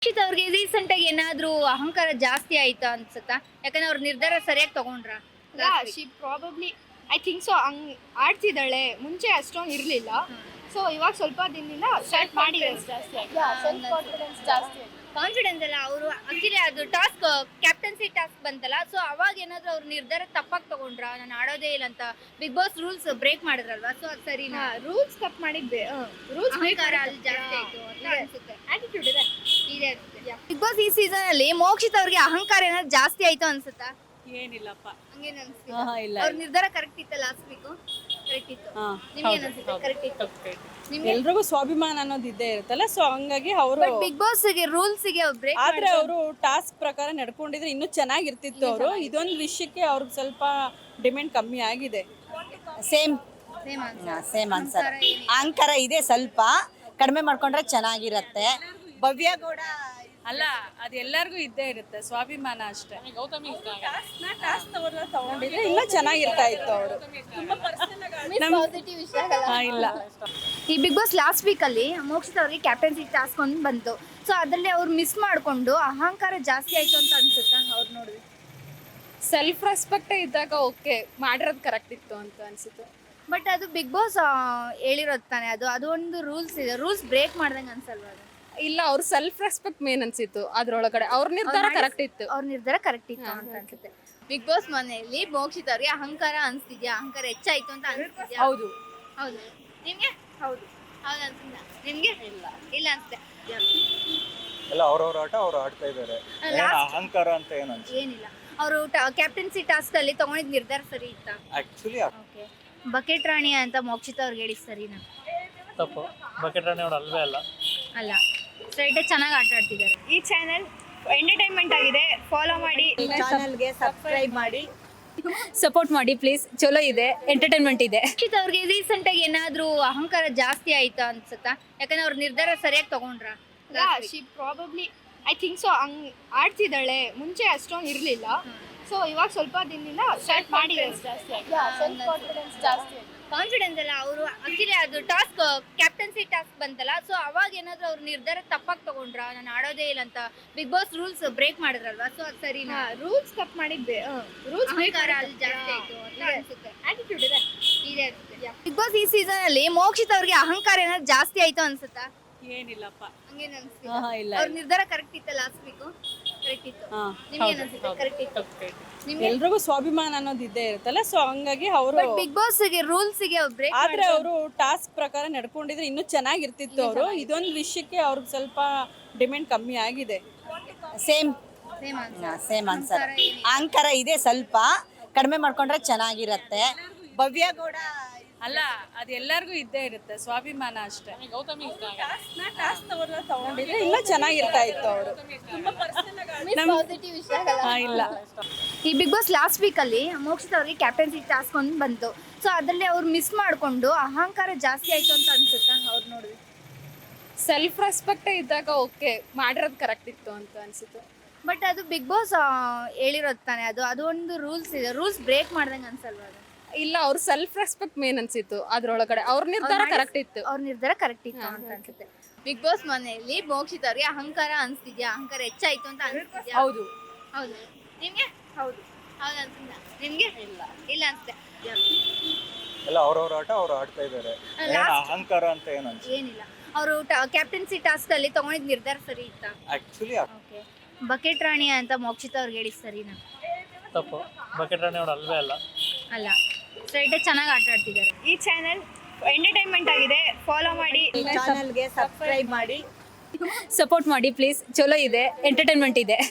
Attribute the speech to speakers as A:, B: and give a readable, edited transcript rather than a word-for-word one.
A: ರಕ್ಷಿತ್ ಅವ್ರಿಗೆ ರೀಸೆಂಟ್ ಆಗಿ ಏನಾದ್ರೂ ಅಹಂಕಾರ ಜಾಸ್ತಿ ಆಯ್ತಾ ಅನ್ಸುತ್ತಾ? ಯಾಕಂದ್ರೆ ಅವ್ರ ನಿರ್ಧಾರ ಸರಿಯಾಗಿ ತಗೊಂಡ್ರ?
B: She probably I think so ಹಂಗ್ ಆಡ್ತಿದ್ದಾಳೆ. ಮುಂಚೆ ಅಷ್ಟೊಂದು ಇರಲಿಲ್ಲ. ಸೊ ಇವಾಗ ಸ್ವಲ್ಪ ದಿನದಿಂದ ಸ್ಟಾರ್ಟ್ ಮಾಡಿದ್ದಾರೆ ಜಾಸ್ತಿ ಆಗಿ. ಸೆಲ್ಫ್ ಕಾನ್ಫಿಡೆನ್ಸ್ ಜಾಸ್ತಿ ಆಗಿದೆ.
A: ಕಾನ್ಫಿಡೆನ್ಸ್ ಅಲ್ಲ, ಅವರು ಆಕ್ಚುಲಿ ಅದು ಟಾಸ್ಕ್ ಕ್ಯಾಪ್ಟನ್ಸಿ ಟಾಸ್ಕ್ ಬಂತಲ್ಲ, ಸೊ ಅವಾಗ ಏನಾದ್ರೂ ಅವ್ರ ನಿರ್ಧಾರ ತಪ್ಪಾಗಿ ತಗೊಂಡ್ರ? ನಾನು ಆಡೋದೇ ಇಲ್ಲ ಅಂತ ಬಿಗ್ ಬಾಸ್ ರೂಲ್ಸ್ ಬ್ರೇಕ್ ಮಾಡಿದ್ರಲ್ವಾ, ಸೊ ಅದು ಸರಿನಾ?
B: ರೂಲ್ಸ್ ತಪ್ಪು ಮಾಡಿದ್ದೆ. ರೂಲ್ಸ್
A: ಅಹಂಕಾರ ಅಲ್ಲಿ ಜಾಸ್ತಿ ಆಯ್ತು ಅಂತ ಅನ್ಸುತ್ತೆ.
B: ಆಟಿಟ್ಯೂಡ್ ಇದೆ.
A: ಇದೆ ಬಿಗ್ ಬಾಸ್ ಈ ಸೀಸನ್ ಅಲ್ಲಿ ಮೋಕ್ಷಿತ್ ಅವ್ರಿಗೆ ಅಹಂಕಾರ ಏನಾದ್ರು ಜಾಸ್ತಿ ಆಯ್ತು ಅನ್ಸುತ್ತಾ?
C: ಏನಿಲ್ಲಪ್ಪ.
A: ಹಂಗೇನ್ ಅನ್ಸುತ್ತೆ?
C: ಇಲ್ಲ
A: ಅವ್ರ ನಿರ್ಧಾರ ಕರೆಕ್ಟ್ ಇತ್ತ ಲಾಸ್ಟ್ ವೀಕ್? ಕರೆಕ್ಟ್ ಇತ್ತು. ನಿಮ್ಗೆ ಏನ್ ಅನ್ಸುತ್ತೆ? ಕರೆಕ್ಟ್ ಇತ್ತು. ನಿಮ್ಗೆ
C: ಎಲ್ರಿಗೂ ಸ್ವಾಭಿಮಾನ ಅನ್ನೋದು ಇದ್ದೇ ಇರುತ್ತಲ್ಲ, ಸೊ ಹಂಗಾಗಿ ಅವರು
A: ಬಿಗ್ ಬಾಸ್ ಗೆ ರೂಲ್ಸ್ ಗೆ ಬ್ರೇಕ್
C: ಆದ್ರೆ ಅವರು ಟಾಸ್ಕ್ ಪ್ರಕಾರ ನಡ್ಕೊಂಡಿದ್ರೆ ಇನ್ನೂ ಚೆನ್ನಾಗಿರ್ತಿತ್ತು. ಅವರು ಇದೊಂದು ವಿಷಯಕ್ಕೆ ಅವ್ರಿಗೆ ಸ್ವಲ್ಪ ಡಿಮ್ಯಾಂಡ್ ಕಮ್ಮಿ ಆಗಿದೆ.
D: Same
A: same
D: answer. ಅಹಂಕಾರ ಇದೆ, ಸ್ವಲ್ಪ ಕಡಿಮೆ ಮಾಡ್ಕೊಂಡ್ರೆ ಚೆನ್ನಾಗಿರತ್ತೆ. ಭವ್ಯ ಕೂಡ
C: ಅಲ್ಲ, ಅದು ಎಲ್ಲರಿಗೂ ಇದ್ದೇ ಇರುತ್ತೆ, ಸ್ವಾಭಿಮಾನ ಅಷ್ಟೇ. ಟಾಸ್ಕ್ ತಗೊಂಡಿದ್ರೆ ಇನ್ನೂ ಚೆನ್ನಾಗಿರ್ತಾ ಇತ್ತು ಅವರು.
A: ಪಾಸಿಟಿವ್ ವಿಷಯ ಆಗಲ್ಲ.
C: ಇಲ್ಲ,
A: ಈ ಬಿಗ್ ಬಾಸ್ ಲಾಸ್ಟ್ ವೀಕ್ ಅಲ್ಲಿ ಮೋಕ್ಷಿತ್ ಅವ್ರಿಗೆ ಕ್ಯಾಪ್ಟನ್ಸಿ ಟಾಸ್ಕ್ ಒಂದು ಬಂತು, ಸೊ ಅದರಲ್ಲಿ ಅವ್ರು ಮಿಸ್ ಮಾಡ್ಕೊಂಡು ಅಹಂಕಾರ ಜಾಸ್ತಿ ಆಯ್ತು ಅಂತ ಅನ್ಸುತ್ತಾ ಅವ್ರು ನೋಡಿದ್ರೆ?
B: ಸೆಲ್ಫ್ ರೆಸ್ಪೆಕ್ಟ್ ಇದ್ದಾಗ ಓಕೆ ಮಾಡಿರೋದು ಕರೆಕ್ಟ್ ಇತ್ತು ಅಂತ ಅನ್ಸುತ್ತೆ.
A: ಬಟ್ ಅದು ಬಿಗ್ ಬಾಸ್ ಹೇಳಿರೋದು ತಾನೆ, ಅದು ಒಂದು ರೂಲ್ಸ್ ಇದೆ, ರೂಲ್ಸ್ ಬ್ರೇಕ್ ಮಾಡ್ದಂಗೆ ಅನ್ಸಲ್ವಾ ಅದು?
B: ಇಲ್ಲ, ಅವ್ರ ಸೆಲ್ಫ್ ರೆಸ್ಪೆಕ್ಟ್ ಮೇನ್ ಅನ್ಸಿತ್ತು ಅದ್ರೊಳಗಡೆ. ಅವ್ರ ನಿರ್ಧಾರ ಕರೆಕ್ಟ್ ಇತ್ತು.
A: ಅವ್ರ ನಿರ್ಧಾರ ಕರೆಕ್ಟ್ ಇತ್ತು ಅಂತ ಅನ್ಸುತ್ತೆ. ಬಿಗ್ ಬಾಸ್ ಮನೆಯಲ್ಲಿ ಮೋಕ್ಷಿತ್ ಅವ್ರಿಗೆ ಅಹಂಕಾರ ಅನ್ಸ್ತಿದ್ಯಾ? ಅಹಂಕಾರ ಹೆಚ್ಚಾಯ್ತು ಅಂತ ಅನ್ಸ್ತಿದ್ಯಾ?
C: ಹೌದು.
A: ಹೌದು. ನಿಮ್ಗೆ? ಹೌದು. ಹೌದು ಅನ್ಸಿಲ್ಲ ನಿಮ್ಗೆ? ಇಲ್ಲ ಅನ್ಸುತ್ತೆ.
E: ಎಲ್ಲ ಅವ್ರವ್ರ ಆಟ ಅವ್ರು ಆಡ್ತಾ ಇದ್ದಾರೆ. ಅಹಂಕಾರ ಅಂತ ಏನು ಅನ್ಸುತ್ತೆ?
A: ಏನಿಲ್ಲ, ಅವರು ಕ್ಯಾಪ್ಟನ್ಸಿ ಟಾಸ್ಕ್ ಅಲ್ಲಿ ತಗೊಂಡಿದ್ ನಿರ್ಧಾರ ಸರಿ ಇತ್ತಾ?
E: Actually
A: okay. ಬಕೆಟ್ ರಾಣಿ ಅಂತ ಮೋಕ್ಷಿತ್ ಅವ್ರಿಗೆ ಹೇಳಿ ಸರಿನಾ?
F: ತಪ್ಪು. ಬಕೆಟ್ ರಾಣಿ ಅವ್ರು ಅಲ್ವೇ ಅಲ್ಲ.
A: ಅಲ್ಲ, ಸ್ಟ್ರೈಟ್ ಆಗಿ ಆಟ ಆಡ್ತಿದ್ದಾರೆ.
B: ಈ ಚಾನೆಲ್ ಎಂಟರ್ಟೈನ್ಮೆಂಟ್ ಆಗಿದೆ, ಫಾಲೋ ಮಾಡಿ.
D: ಚಾನಲ್ಗೆ ಸಬ್ಸ್ಕ್ರೈಬ್ ಮಾಡಿ,
G: ಸಪೋರ್ಟ್ ಮಾಡಿ ಪ್ಲೀಸ್. ಚಲೋ ಇದೆ, ಎಂಟರ್ಟೈನ್ಮೆಂಟ್ ಇದೆ.
A: ರಕ್ಷಿತ್ ಅವ್ರಿಗೆ ರೀಸೆಂಟ್ ಆಗಿ ಏನಾದ್ರೂ ಅಹಂಕಾರ ಜಾಸ್ತಿ ಆಯ್ತಾ ಅನ್ಸುತ್ತಾ? ಯಾಕಂದ್ರೆ ಅವ್ರ ನಿರ್ಧಾರ ಸರಿಯಾಗಿ ತಗೊಂಡ್ರ?
B: She probably I think so ಹಂಗ್ ಆಡ್ತಿದ್ದಾಳೆ. ಮುಂಚೆ ಅಷ್ಟೊಂದು ಇರಲಿಲ್ಲ. ಸೊ ಇವಾಗ ಸ್ವಲ್ಪ ದಿನದಿಂದ ಸ್ಟಾರ್ಟ್ ಮಾಡಿದ್ದಾರೆ ಜಾಸ್ತಿ ಆಗಿ. ಸೆಲ್ಫ್ ಕಾನ್ಫಿಡೆನ್ಸ್ ಜಾಸ್ತಿ ಆಗಿದೆ.
A: ಕಾನ್ಫಿಡೆನ್ಸ್ ಅಲ್ಲ, ಅವರು ಆಕ್ಚುಲಿ ಅದು ಟಾಸ್ಕ್ ಕ್ಯಾಪ್ಟನ್ಸಿ ಟಾಸ್ಕ್ ಬಂತಲ್ಲ, ಸೊ ಅವಾಗ ಏನಾದ್ರೂ ಅವ್ರ ನಿರ್ಧಾರ ತಪ್ಪಾಗಿ ತಗೊಂಡ್ರ? ನಾನು ಆಡೋದೇ ಇಲ್ಲ ಅಂತ ಬಿಗ್ ಬಾಸ್ ರೂಲ್ಸ್ ಬ್ರೇಕ್ ಮಾಡಿದ್ರಲ್ವಾ, ಸೊ ಅದು ಸರಿನಾ?
B: ರೂಲ್ಸ್ ತಪ್ಪು ಮಾಡಿದ್ದೆ. ರೂಲ್ಸ್
A: ಅಹಂಕಾರ ಅಲ್ಲಿ ಜಾಸ್ತಿ ಆಯ್ತು ಅಂತ ಅನ್ಸುತ್ತೆ.
B: ಆಟಿಟ್ಯೂಡ್ ಇದೆ.
A: ಇದೆ ಬಿಗ್ ಬಾಸ್ ಈ ಸೀಸನ್ ಅಲ್ಲಿ ಮೋಕ್ಷಿತ್ ಅವ್ರಿಗೆ ಅಹಂಕಾರ ಏನಾದ್ರು ಜಾಸ್ತಿ ಆಯ್ತು ಅನ್ಸುತ್ತಾ?
C: ಏನಿಲ್ಲಪ್ಪ.
A: ಹಂಗೇನ್ ಅನ್ಸುತ್ತೆ?
C: ಇಲ್ಲ.
A: ಅವ್ರ ನಿರ್ಧಾರ ಕರೆಕ್ಟ್ ಇತ್ತ ಲಾಸ್ಟ್ ವೀಕ್? ಕರೆಕ್ಟ್ ಇತ್ತು. ನಿಮ್ಗೆ ಏನ್ ಅನ್ಸುತ್ತೆ? ಕರೆಕ್ಟ್ ಇತ್ತು. ನಿಮ್ಗೆ?
C: ಎಲ್ರಿಗೂ ಸ್ವಾಭಿಮಾನ ಅನ್ನೋದು ಇದ್ದೇ ಇರುತ್ತಲ್ಲ, ಸೊ ಹಂಗಾಗಿ ಅವರು
A: ಬಿಗ್ ಬಾಸ್ ಗೆ ರೂಲ್ಸ್ ಗೆ ಬ್ರೇಕ್
C: ಆದ್ರೆ ಅವರು ಟಾಸ್ಕ್ ಪ್ರಕಾರ ನಡ್ಕೊಂಡಿದ್ರೆ ಇನ್ನೂ ಚೆನ್ನಾಗಿರ್ತಿತ್ತು. ಅವರು ಇದೊಂದು ವಿಷಯಕ್ಕೆ ಅವ್ರಿಗೆ ಸ್ವಲ್ಪ ಡಿಮ್ಯಾಂಡ್ ಕಮ್ಮಿ ಆಗಿದೆ.
D: Same
A: same
D: answer. ಅಹಂಕಾರ ಇದೆ, ಸ್ವಲ್ಪ ಕಡಿಮೆ ಮಾಡ್ಕೊಂಡ್ರೆ ಚೆನ್ನಾಗಿರತ್ತೆ. ಭವ್ಯ ಕೂಡ
C: ಅಲ್ಲ, ಅದು ಎಲ್ಲರಿಗೂ ಇದ್ದೇ ಇರುತ್ತೆ, ಸ್ವಾಭಿಮಾನ ಅಷ್ಟೇ. ಟಾಸ್ಕ್ ತಗೊಂಡಿದ್ರೆ ಇನ್ನೂ ಚೆನ್ನಾಗಿರ್ತಾ ಇತ್ತು ಅವರು.
A: ಪಾಸಿಟಿವ್ ವಿಷಯ ಆಗಲ್ಲ.
C: ಇಲ್ಲ,
A: ಈ ಬಿಗ್ ಬಾಸ್ ಲಾಸ್ಟ್ ವೀಕ್ ಅಲ್ಲಿ ಮೋಕ್ಷಿತ್ ಅವ್ರಿಗೆ ಕ್ಯಾಪ್ಟನ್ಸಿ ಟಾಸ್ಕ್ ಒಂದು ಬಂತು, ಸೊ ಅದರಲ್ಲಿ ಅವ್ರು ಮಿಸ್ ಮಾಡ್ಕೊಂಡು ಅಹಂಕಾರ ಜಾಸ್ತಿ ಆಯ್ತು ಅಂತ ಅನ್ಸುತ್ತಾ ಅವ್ರು ನೋಡಿದ್ರೆ?
B: ಸೆಲ್ಫ್ ರೆಸ್ಪೆಕ್ಟ್ ಇದ್ದಾಗ ಓಕೆ ಮಾಡಿರೋದು ಕರೆಕ್ಟ್ ಇತ್ತು ಅಂತ ಅನ್ಸುತ್ತೆ.
A: ಬಟ್ ಅದು ಬಿಗ್ ಬಾಸ್ ಹೇಳಿರೋದು ತಾನೆ, ಅದು ಒಂದು ರೂಲ್ಸ್ ಇದೆ, ರೂಲ್ಸ್ ಬ್ರೇಕ್ ಮಾಡ್ದಂಗೆ ಅನ್ಸಲ್ವಾ ಅದು?
B: ಇಲ್ಲ, ಅವ್ರ ಸೆಲ್ಫ್ ರೆಸ್ಪೆಕ್ಟ್ ಮೇನ್ ಅನ್ಸಿತ್ತು ಅದ್ರೊಳಗಡೆ. ಅವ್ರ ನಿರ್ಧಾರ ಕರೆಕ್ಟ್ ಇತ್ತು.
A: ಅವ್ರ ನಿರ್ಧಾರ ಕರೆಕ್ಟ್ ಇತ್ತು ಅಂತ ಅನ್ಸುತ್ತೆ. ಬಿಗ್ ಬಾಸ್ ಮನೆಯಲ್ಲಿ ಮೋಕ್ಷಿತ್ ಅವ್ರಿಗೆ ಅಹಂಕಾರ ಅನ್ಸ್ತಿದ್ಯಾ? ಅಹಂಕಾರ ಹೆಚ್ಚಾಯ್ತು ಅಂತ ಅನ್ಸ್ತಿದ್ಯಾ?
C: ಹೌದು.
A: ಹೌದು. ನಿಮ್ಗೆ? ಹೌದು. ಹೌದು ಅನ್ಸಿಲ್ಲ ನಿಮ್ಗೆ? ಇಲ್ಲ ಅನ್ಸುತ್ತೆ.
E: ಎಲ್ಲ ಅವ್ರವ್ರ ಆಟ ಅವ್ರು ಆಡ್ತಾ ಇದ್ದಾರೆ. ಅಹಂಕಾರ ಅಂತ ಏನು ಅನ್ಸುತ್ತೆ?
A: ಏನಿಲ್ಲ, ಅವರು ಕ್ಯಾಪ್ಟನ್ಸಿ ಟಾಸ್ಕ್ ಅಲ್ಲಿ ತಗೊಂಡಿದ್ ನಿರ್ಧಾರ ಸರಿ ಇತ್ತಾ?
E: Actually
A: okay. ಬಕೆಟ್ ರಾಣಿ ಅಂತ ಮೋಕ್ಷಿತ್ ಅವ್ರಿಗೆ ಹೇಳಿ ಸರಿನಾ?
F: ತಪ್ಪು. ಬಕೆಟ್ ರಾಣಿ ಅವ್ರು ಅಲ್ವೇ ಅಲ್ಲ.
A: ಅಲ್ಲ, ಸ್ಟ್ರೈಟ್ ಆಗಿ ಆಟ ಆಡ್ತಿದ್ದಾರೆ.
B: ಈ ಚಾನೆಲ್ ಎಂಟರ್ಟೈನ್ಮೆಂಟ್ ಆಗಿದೆ, ಫಾಲೋ ಮಾಡಿ.
D: ಚಾನಲ್ಗೆ ಸಬ್ಸ್ಕ್ರೈಬ್ ಮಾಡಿ,
G: ಸಪೋರ್ಟ್ ಮಾಡಿ ಪ್ಲೀಸ್. ಚಲೋ ಇದೆ, ಎಂಟರ್ಟೈನ್ಮೆಂಟ್ ಇದೆ.